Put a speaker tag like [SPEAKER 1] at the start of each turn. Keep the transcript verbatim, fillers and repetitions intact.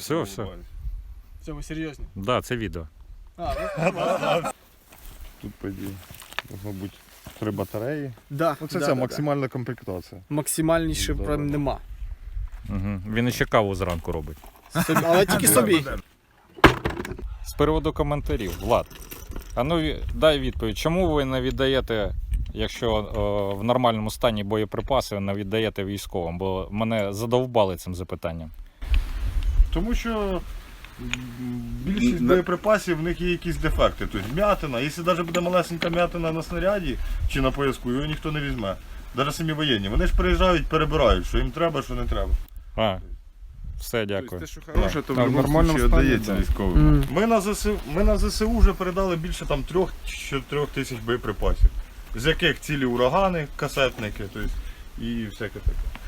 [SPEAKER 1] Все, все.
[SPEAKER 2] Все, ви серйозні?
[SPEAKER 1] Так, да, це відео.
[SPEAKER 2] А,
[SPEAKER 3] Тут, по ідеї, мабуть, три батареї.
[SPEAKER 2] да,
[SPEAKER 3] Оце
[SPEAKER 2] да,
[SPEAKER 3] ця
[SPEAKER 2] да,
[SPEAKER 3] максимальна комплектація.
[SPEAKER 2] да. Максимальніше
[SPEAKER 3] Да,
[SPEAKER 2] прям
[SPEAKER 3] да.
[SPEAKER 2] нема.
[SPEAKER 1] Угу. Він ще каву зранку робить.
[SPEAKER 2] Собі- але тільки собі.
[SPEAKER 1] З приводу коментарів, Влад, а ну ві- дай відповідь, чому ви не віддаєте, якщо о, в нормальному стані боєприпаси не віддаєте військовим? Бо мене задовбали цим запитанням.
[SPEAKER 3] Тому що м, більшість боєприпасів в них є якісь дефекти. Тобто м'ятина. Якщо навіть буде малесенька м'ятина на снаряді чи на пояску, його ніхто не візьме. Навіть самі воєнні. Вони ж приїжджають, перебирають, що їм треба, що не треба.
[SPEAKER 1] А, все, дякую.
[SPEAKER 4] Те, що хороше, то в
[SPEAKER 3] А в
[SPEAKER 4] будь-якому
[SPEAKER 3] нормальному
[SPEAKER 4] случае
[SPEAKER 3] стані,
[SPEAKER 4] віддається
[SPEAKER 3] да.
[SPEAKER 4] військовим.
[SPEAKER 2] М.
[SPEAKER 3] Ми на ЗСУ, ми на ЗСУ вже передали більше там трьох-чотирьох тисяч боєприпасів. З яких цілі урагани, касетники, тобто, і всяке таке.